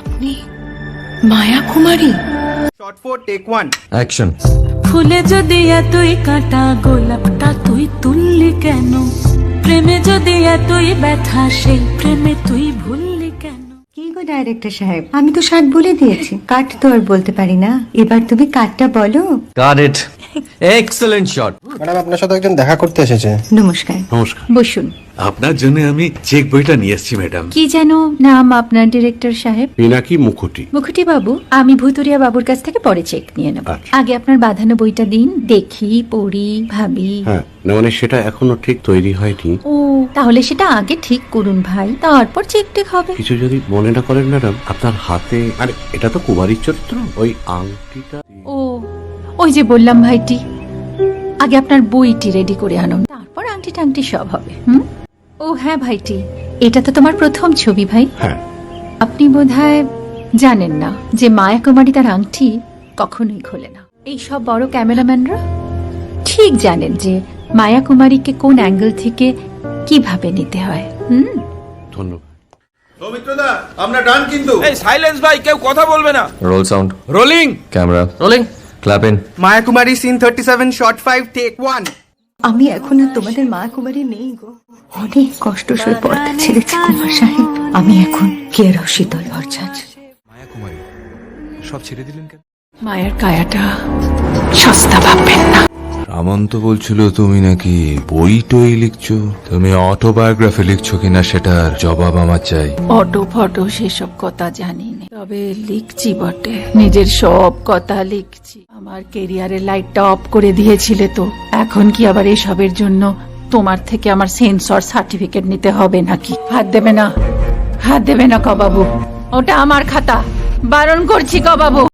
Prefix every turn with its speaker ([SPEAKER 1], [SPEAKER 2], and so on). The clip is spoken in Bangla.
[SPEAKER 1] আপনি Maya Kumari?
[SPEAKER 2] Shot 4 take 1
[SPEAKER 3] action.
[SPEAKER 4] ফুলে যদি এতই কাটা গোলাপটা তুই তুললি কেন? প্রেমে যদি এতই ব্যথা সেই প্রেমে তুই ভুললি কেন?
[SPEAKER 5] কি গো ডাইরেক্টর সাহেব, আমি তো 60 বলে দিয়েছি, কাট তো আর বলতে পারি না, এবার তুমি কাটটা বলো।
[SPEAKER 3] Got it. Excellent shot.
[SPEAKER 6] Madam, আপনার সাথে একজন দেখা করতে এসেছে।
[SPEAKER 5] নমস্কার।
[SPEAKER 7] নমস্কার।
[SPEAKER 5] বসুন।
[SPEAKER 7] আপনার জন্য আমি চেক বইটা নিয়ে এসেছি ম্যাডাম।
[SPEAKER 5] কি যেন নাম আপনার ডিরেক্টর সাহেব?
[SPEAKER 7] পিনাকি মুখোটি।
[SPEAKER 5] মুখুটি বাবু, আমি ভুতুরিয়া বাবুর কাছ থেকে পরে চেক নিয়ে নেব।
[SPEAKER 7] আচ্ছা।
[SPEAKER 5] আগে আপনার বাঁধানো বইটা দিন, দেখি, পড়ি, ভাবি।
[SPEAKER 7] হ্যাঁ, না মানে সেটা এখনো ঠিক তৈরি হয়নি।
[SPEAKER 5] ও, তাহলে সেটা আগে ঠিক করুন ভাই, তারপর চেক টেক হবে।
[SPEAKER 7] কিছু যদি মনে না করেন ম্যাডাম, আপনার হাতে, আরে এটা তো কুমারীর চরিত্র, ওই আংটিটা।
[SPEAKER 5] ও, ওই যে বললাম ভাইটি, আগে আপনার বইটি রেডি করে আনুন, তারপর আংটি টাংটি সব হবে। ও হ্যাঁ ভাইটি, এটা তো তোমার প্রথম ছবি ভাই।
[SPEAKER 7] হ্যাঁ।
[SPEAKER 5] আপনি বোধহয় জানেন না যে মায়া কুমারী তার আংটি কখনোই খোলে না। এই সব বড় ক্যামেরাম্যানরা ঠিক জানেন যে মায়া কুমারীকে কোন অ্যাঙ্গেল থেকে কিভাবে নিতে হয়।
[SPEAKER 7] ধন্যবাদ।
[SPEAKER 2] সৌমিত্রদা, আমরা ডান কিন্তু।
[SPEAKER 8] এই সাইলেন্স ভাই, কেউ কথা বলবে না।
[SPEAKER 3] Roll sound.
[SPEAKER 8] Rolling.
[SPEAKER 3] Camera rolling. Clap in.
[SPEAKER 2] Maya Kumari scene 37 shot 5 take 1।
[SPEAKER 5] আমি এখন আর তোমাদের মা কুমারী নেই গো, অনেক কষ্ট সয়ে পর্দা ছেড়েছি কুমার সাহেব। আমি এখন কেরাও শীতল ভরছাছ।
[SPEAKER 8] মায়া কুমারী সব ছেড়ে দিলেন কেন?
[SPEAKER 1] মায়ের কায়াটা সস্তা ভাববেন না।
[SPEAKER 9] রামন্ত বলছিল তুমি নাকি বই টই লিখছো। তুমি অটোবায়োগ্রাফি লিখছো কিনা সেটার জবাব আমার চাই।
[SPEAKER 1] অটো ফটো সেসব কথা জানি না, তবে লিখছি বটে, নিজের সব কথা লিখছি। আমার কেরিয়ারের লাইটটা অফ করে দিয়েছিলে তো, এখন কি আবার এসবের জন্য তোমার থেকে আমার সেন্সর সার্টিফিকেট নিতে হবে নাকি? হাত দেবে না, হাত দেবে না কবাবু, ওটা আমার খাতা, বারণ করছি কবাবু।